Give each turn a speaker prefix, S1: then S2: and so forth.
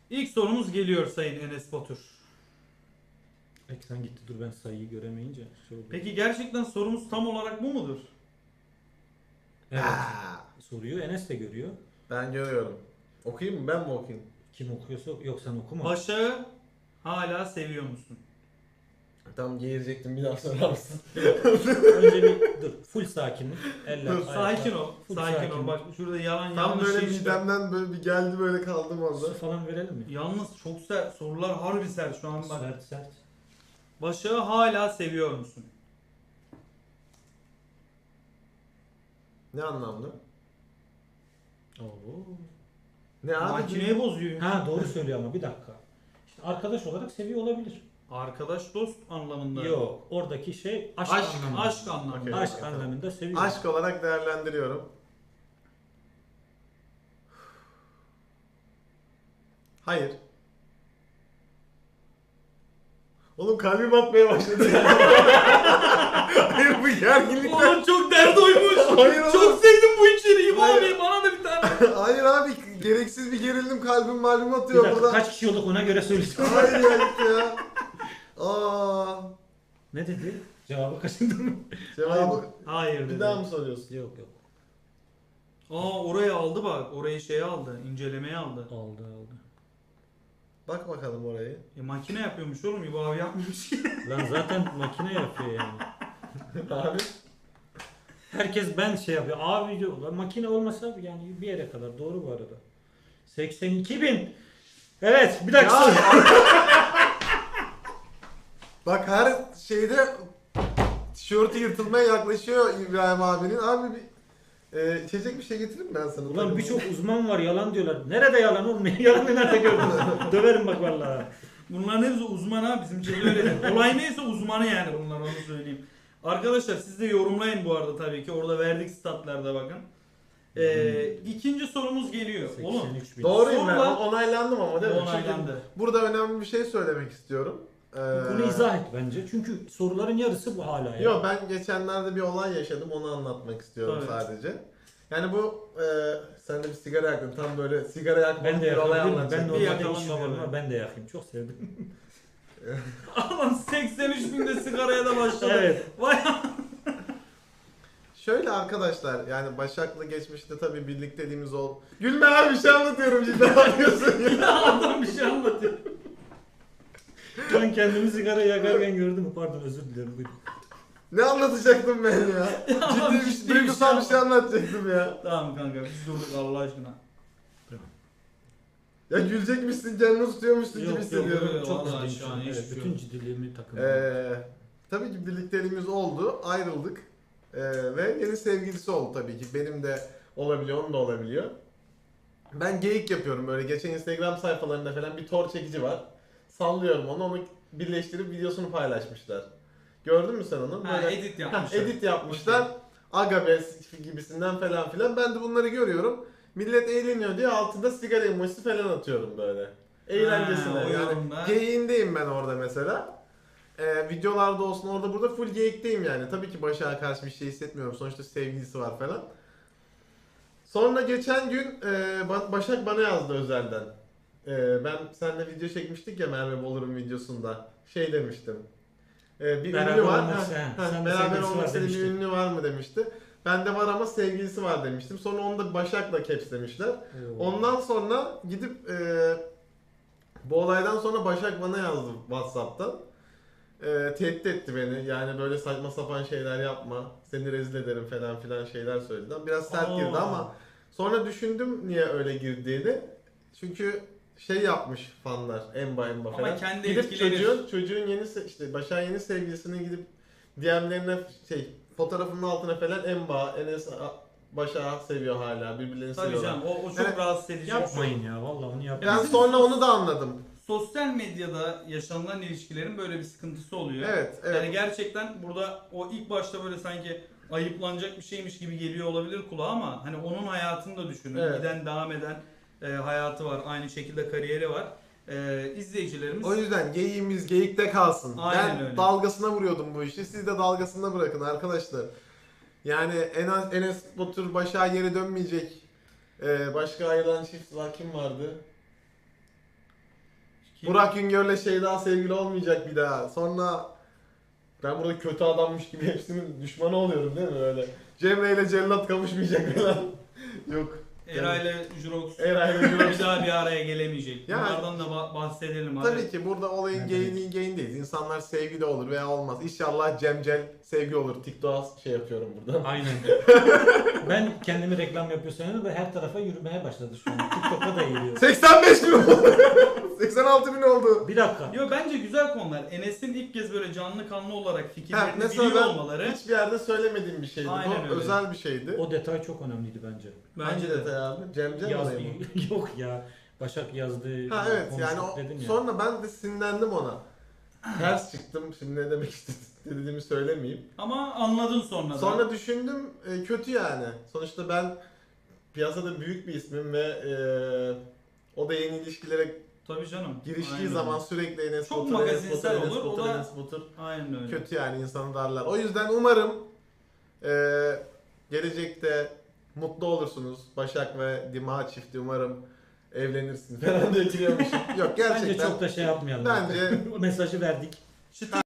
S1: İlk sorumuz geliyor Sayın Enes Batur.
S2: Ekran gitti, dur ben sayıyı göremeyince. Şey oldu.
S1: Peki gerçekten sorumuz tam olarak bu mudur?
S2: Evet.
S3: Aa,
S2: Soruyu Enes de görüyor.
S3: ben görüyorum. Okuyayım mı? Ben mi okuyayım?
S2: Kim okuyorsa yok, sen okuma.
S1: Başak'ı hala seviyor musun?
S3: Tam geğirecektim, bir daha sorar mısın?
S2: Önce bir dur. Full sakinlik. Eller,
S3: Dur,
S2: ayaklar.
S1: Sakin ol.
S2: Full
S1: Sakin ol.
S2: sakinlik.
S1: Bak şurada yalan
S3: Tam
S1: yanlış
S3: böyle
S1: şey işte.
S3: midemden böyle bir geldi, böyle kaldım orada.
S2: Su falan verelim mi?
S1: Yalnız çok sert. Sorular harbi sert şu an bak.
S2: Sert sert.
S1: Başak'ı hala seviyor musun?
S3: Ne anlamda?
S2: Oo.
S3: Ne abi?
S1: Makineyi bozuyor.
S2: Ha doğru söylüyor ama bir dakika. İşte arkadaş olarak seviyor olabilir.
S1: Arkadaş dost anlamında.
S2: Yok. Oradaki şey aşk,
S3: Aşk,
S2: anlamında.
S1: Aşk anlamında.
S3: Okey.
S2: Aşk
S3: Tamam.
S2: anlamında seviyor.
S3: Aşk olarak değerlendiriyorum. Hayır. Oğlum kalbim atmaya başladı. Hayır, bu gerginlikten.
S1: Oğlum çok dert oymuş.
S3: Hayır oğlum.
S1: Çok sevdim bu içeriği.
S3: Hayır.
S1: Abi bana da bir tane.
S3: Hayır abi, gereksiz bir gerildim, kalbim malum
S2: Bir
S3: atıyor
S2: dakika,
S3: burada.
S2: kaç kişi olduk ona göre söyleyeceğim.
S3: Hayır ya, gitti ya. Aa,
S2: Ne dedi? Cevabı kaçırdın mı?
S3: cevabı
S1: Hayır
S3: bir
S1: dedi.
S3: daha mı soruyorsun?
S2: Yok yok.
S1: Orayı aldı bak. Orayı şeye aldı. İncelemeye aldı.
S2: Aldı aldı.
S3: Bak bakalım orayı.
S1: Makine yapıyormuş oğlum. İbo abi yapmıyormuş ki.
S2: Lan zaten makine yapıyor yani.
S3: Abi.
S2: Herkes ben şey yapıyor. Abi diyor. Lan makine olmasa yani bir yere kadar. Doğru bu arada. 82.000. Evet, bir dakika.
S3: Ya.
S2: soru.
S3: Bak her şeyde tişörtü yırtılmaya yaklaşıyor İbrahim abinin. Abi bir içecek bir şey getireyim mi ben sana?
S2: Ulan birçok uzman var yalan diyorlar. Nerede yalan olmuyor? Yalanı nerede gördün? Döverim bak vallahi.
S1: Bunların hepsi uzman ha. Bizim şeyde öyle değil. Olay neyse uzmanı yani bunlar, onu söyleyeyim. Arkadaşlar siz de yorumlayın bu arada tabii ki. Orada verdik statlarda bakın. İkinci sorumuz geliyor. Oğlum
S2: 83.000.
S3: Doğruyum ben.
S1: Sorular-
S3: Onaylandım ama değil mi?
S1: onaylandı.
S3: Çünkü burada önemli bir şey söylemek istiyorum.
S2: Bunu izah et bence. Çünkü soruların yarısı bu hala ya.
S3: Yok, ben geçenlerde bir olay yaşadım, onu anlatmak istiyorum
S1: Evet.
S3: sadece. Yani bu sen de bir sigara yaktın, tam böyle sigara yakmak
S2: Ben de
S3: bir olay
S2: yakabilirim. Ben
S3: anlatacaktım.
S1: Bir
S2: normalde
S1: yakalım
S2: iş
S1: bize
S2: var
S1: be.
S2: ama ben de yakayım. Çok sevdim.
S1: Aman 83 binde sigaraya da başladı.
S2: Evet.
S1: Vay
S3: Şöyle arkadaşlar, yani Başak'la geçmişte tabii birlikteliğimiz oldu. Gülme abi, bir şey anlatıyorum, cidden anlıyorsun ya.
S1: adam bir şey anlatıyor.
S2: Ben kendimi sigara yakarken gördüm. Pardon, özür dilerim. Buyurun.
S3: Ne anlatacaktım ben ya? Ciddi
S1: ciddi
S3: bir duygusal bir şey anlatacaktım ya.
S1: Tamam kanka biz durduk Allah aşkına.
S3: Ya gülecekmişsin, canını tutuyormuşsun gibi
S2: Yok yok,
S3: hissediyorum.
S1: yok.
S2: çok
S1: Vallahi
S2: ciddiyim
S1: şu
S2: şu
S1: an
S2: an.
S1: hiç
S2: Evet,
S1: şey
S2: bütün
S1: yok.
S2: ciddiliğimi takındım.
S3: Tabii ki birlikteliğimiz oldu, ayrıldık. Ve yeni sevgilisi oldu tabii ki. Benim de olabiliyor, onun da olabiliyor. Ben geyik yapıyorum böyle. Geçen Instagram sayfalarında falan bir tor çekici var. Sallıyorum onu birleştirip videosunu paylaşmışlar. Gördün mü sen onu?
S1: Ha,
S3: Böyle-
S1: edit
S3: Ha,
S1: yapmışlar.
S3: edit yapmışlar. Agabes gibisinden falan filan. Ben de bunları görüyorum. Millet eğleniyor diye altında sigara emojisi falan atıyorum böyle. Eğlencesine.
S1: Ha, o
S3: Yani
S1: yorumda.
S3: geyiğindeyim ben orada mesela. Videolarda olsun, orada burada full geyikteyim yani. Tabii ki Başak'a karşı bir şey hissetmiyorum. Sonuçta sevgilisi var falan. Sonra geçen gün Başak bana yazdı özelden. Ben seninle video çekmiştik ya, Merve Bolur'un videosunda. Şey demiştim. Bir
S2: Beraber
S3: ünlü var.
S2: olmak
S3: Ha,
S2: isteyen,
S3: ha,
S2: sen de
S3: beraber
S2: sevgilisi
S3: olmak
S2: var
S3: istediğin bir
S2: demiştin.
S3: ünlü var mı demişti. Bende var ama sevgilisi var demiştim. Sonra onu da Başak'la capslemişler. Ondan sonra gidip bu olaydan sonra Başak bana yazdı WhatsApp'tan. Tehdit etti beni. Yani böyle saçma sapan şeyler yapma. Seni rezil ederim falan filan şeyler söyledi. Biraz sert girdi ama sonra düşündüm niye öyle girdiğini. Çünkü şey yapmış fanlar, emba
S1: Ama
S3: falan.
S1: kendi
S3: Gidip
S1: etkilenir.
S3: çocuğun işte Başak'ın yeni sevgilisinin gidip DM'lerine fotoğrafının altına falan emba, Enes Başak'ı seviyor hala, birbirlerini
S1: Tabii
S3: seviyorlar.
S1: canım o çok
S3: Evet.
S1: rahatsız edici. bir şey.
S2: Yapmayın ya, vallahi onu
S3: Ben
S2: yapmayın.
S1: Bizim
S3: sonra onu da anladım.
S1: Sosyal medyada yaşanılan ilişkilerin böyle bir sıkıntısı oluyor.
S3: Evet, evet.
S1: Yani gerçekten burada o ilk başta böyle sanki ayıplanacak bir şeymiş gibi geliyor olabilir kulağa ama hani onun hayatını da düşünün.
S3: Evet.
S1: Giden devam eden hayatı var. Aynı şekilde kariyeri var. İzleyicilerimiz
S3: O yüzden geyiğimiz geyikte kalsın.
S1: Aynen
S3: Ben
S1: öyle.
S3: dalgasına vuruyordum bu işi. Siz de dalgasına bırakın arkadaşlar. Yani Enes Batur Başak'a geri dönmeyecek. Başka ayrılan çift var. Kim vardı? Burak Güngör'le Şeyda sevgili olmayacak bir daha. Sonra ben burada kötü adammış gibi hepsinin düşmanı oluyorum değil mi öyle? Cemre ile Cellat kavuşmayacak falan. Yok.
S1: Era ile Jurox
S3: Eray ile Jurox.
S1: bir daha bir araya gelemeyecek.
S3: Yani-
S1: Bunlardan da bahsedelim hadi.
S3: Tabii ki burada olayın
S2: Evet.
S3: geyindeyiz. İnsanlar sevgili olur veya olmaz. İnşallah Cemcel sevgi olur. TikTok'a şey yapıyorum burada.
S2: Aynen. Ben kendimi reklam yapıyor sanıyorum ve her tarafa yürümeye başladı şu an. TikTok'a da geliyor.
S3: 85 bin oldu. 86 bin oldu.
S2: Bir dakika.
S1: Yo bence güzel konular. Enes'in ilk kez böyle canlı kanlı olarak
S3: Ha,
S1: fikirlerini
S3: mesela
S1: biliyor
S3: ben
S1: olmaları.
S3: hiçbir yerde söylemediğim bir şeydi.
S1: Aynen
S3: Bu
S1: öyle.
S3: özel bir şeydi.
S2: O detay çok önemliydi bence.
S1: Bence de.
S3: detay abi. Cemcel
S2: Yaz,
S3: olayı mı?
S2: yok ya. Başak yazdı.
S3: Ha evet yani
S2: konuştuk dedin ya.
S3: sonra ben de sinirlendim ona. Ters çıktım. Şimdi ne demek istediğimi söylemeyeyim.
S1: Ama anladın sonra da.
S3: Sonra düşündüm kötü yani. Sonuçta ben piyasada büyük bir ismim ve o da yeni ilişkilere
S1: Tabii canım.
S3: giriştiği
S1: Aynen
S3: zaman
S1: öyle.
S3: sürekli Enes
S1: Çok
S3: Batur,
S1: magazinsel
S3: Enes
S1: olur, o
S3: Batur,
S1: da-
S3: Enes Batur.
S1: Aynen öyle.
S3: Kötü yani insanı darlar. O yüzden umarım gelecekte mutlu olursunuz. Başak ve Dima çifti umarım evlenirsin falan diye giriyormuşum. Yok gerçekten.
S2: Bence çok da şey yapmayalım.
S3: Bence
S2: Mesajı verdik.
S1: Çıtır